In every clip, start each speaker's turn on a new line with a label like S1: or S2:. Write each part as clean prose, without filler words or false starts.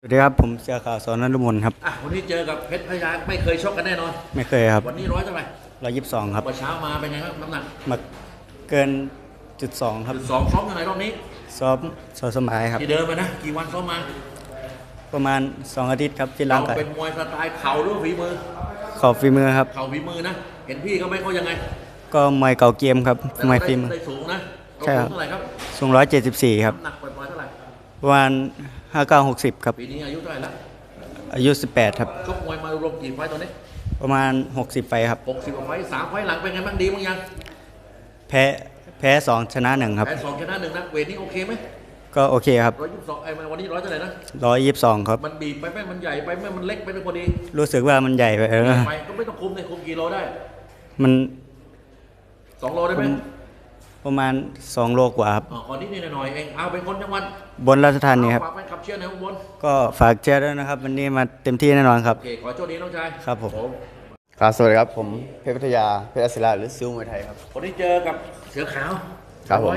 S1: สวัสดีครับผมเสือขาวสอนนฤมลครับ
S2: วันนี้เจอกับเพชรพญาไม่เคยชกกันแน่นอน
S1: ไม่เคยครับ
S2: วันนี้ร้อยเท่าไหร่
S1: 122ครับ
S2: เมื่อเช้ามาเป็นไงครับน้ำหนัก
S1: มาเกิน1.2ครับ
S2: 2ซ้อมยังไงรอบนี้
S1: ซ้อมสมัยครับ
S2: ที่เดิมไปนะกี่วันซ้อมมา
S1: ประมาณ2อาทิตย์ครับที่
S2: เรา
S1: ร่างกาย
S2: เป็นมวยสไตล์เข่าหรือฝีมือ
S1: ขอบฝีมือครับ
S2: เข่าฝีมือนะเห็นพี่เขาไม่เขายังไง
S1: ก็มวยเก่าเกมครับมวยฝีมือ
S2: ได้สูงนะ
S1: ใช่ครับ
S2: เท่าไหร่ครับ
S1: สูง174ครับ
S2: น้ำหนักปล่อยๆเท่าไหร่
S1: ประมาณ59-60ครับ
S2: ปีนี้อายุเท่าไหร่ละ
S1: อายุ18ครับ
S2: ชกมวยมารวมกี่ไฟต์ตอนนี้
S1: ประมาณ60ไฟครับ
S2: 60กว่าไฟต์3ไฟต์หลังเป็นไงบ้างดีบ้างยัง
S1: แพ้2ชนะ1ครับ
S2: แพ้2ชนะ1นะเวทนี้โอเคไหม
S1: ก็โอเคครับ
S2: 122วันนี้ร้อยเท่าไหร่นะ
S1: 122ครับ
S2: มันบีบไปไหมมันใหญ่ไปไหมมันเล็กไปพอดี
S1: รู้สึกว่ามันใหญ่ไป
S2: ไปก็ไม่ต้องคุมเลยคุมกี่โลได้
S1: มัน
S2: 2 โลได้ไหม
S1: ประมาณ2 โลกว่าครับ
S2: ขอนิดหน่อยเองเอาเป็นคนจังหวัด
S1: บนราชธานีครับ
S2: ฝากแฟนคลับเชียร์ในอุบล
S1: ก็ฝากเชียร์ด้วยนะครับวันนี้มาเต็มที่แน่นอนครับ
S2: โอเคขอโชคดีน้องชาย
S1: ครับผม
S3: ครับสวัสดีครับผมเพชรพัทยาเพชรศิลาหรือซิลมวยไทยครับ
S2: คนที่เจอกับเสือขาว
S3: ครับผม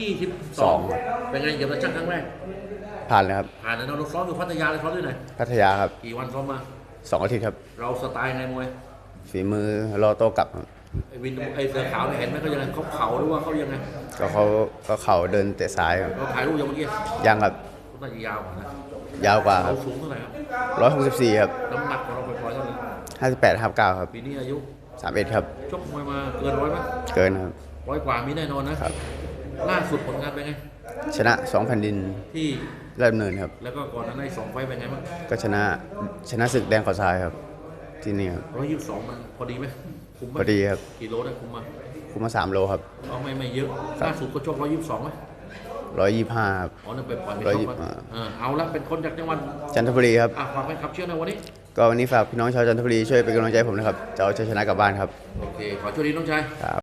S2: 122เป็นไงเกี่ยวกับช่างครั้งแรก
S3: ผ่านเลยครับ
S2: ผ่านแล้วเราซ้อมอยู่พัทยาเลยซ้อมที่ไหน
S3: พัทยาครับ
S2: กี่วันซ้อมมา
S3: 2 อาทิตย์ครับ
S2: เราสไตล์ไงมวย
S3: ฝีมือรอโต้กลับครับ
S2: ไอ้วินไอ้เสือขาวเห็นไหมเขายังไงเขาเข่าหรือว่าเขายังไง
S3: ก็ก็เข่าเดินเตะซ้ายครับ
S2: เราถ่ายรูปยังเมื่อกี้
S3: ยังครับ
S2: เขาน่าจะยาวกว่านะ
S3: ยาวกว่าค
S2: เรา
S3: รับ
S2: สูงเท่าไหร่ครับ
S3: 164ครับ
S2: น้ำหนักของเราปล่อยๆเท่าไหร่
S3: 58-59ครับ
S2: ปีนี้อายุ
S3: 31ครับ
S2: ชกมวยมาเกิน100ไหม
S3: เกินครับ
S2: 100 กว่ามีแน่นอนนะครับล่าสุดผลงานเป็นไง
S3: ชนะ2แผ่นดิน
S2: ที่
S3: ราชดำเนินครับ
S2: แล้วก็ก่อนนั้นได้2 ไฟต์เป็นไงบ้าง
S3: ก็ชนะศึกแดงขอทรายครับที่นี่ครับ
S2: 122มันพอดีไหมคุ้มไหม
S3: พอดีครับ
S2: กี่โลได้คุ้ม
S3: มา3 โลครับ
S2: เอาไม่เยอะล่าสุดก็ชก122ไหม
S3: 125ครับ
S2: นั่นเป็นปล่อยไม่ชกเอาละเป็นคนจากจังหวัด
S3: จันทบุรีครับ
S2: ฝากเป็นขับเชื่อในวันนี้
S3: ก็วันนี้ฝากพี่น้องชาวจันทบุรีช่วยเป็นกำลังใจให้ผมนะครับจะเอาชัยชนะกลับบ้านครับ
S2: โอเคขอโชคดีน้องชาย
S3: ครับ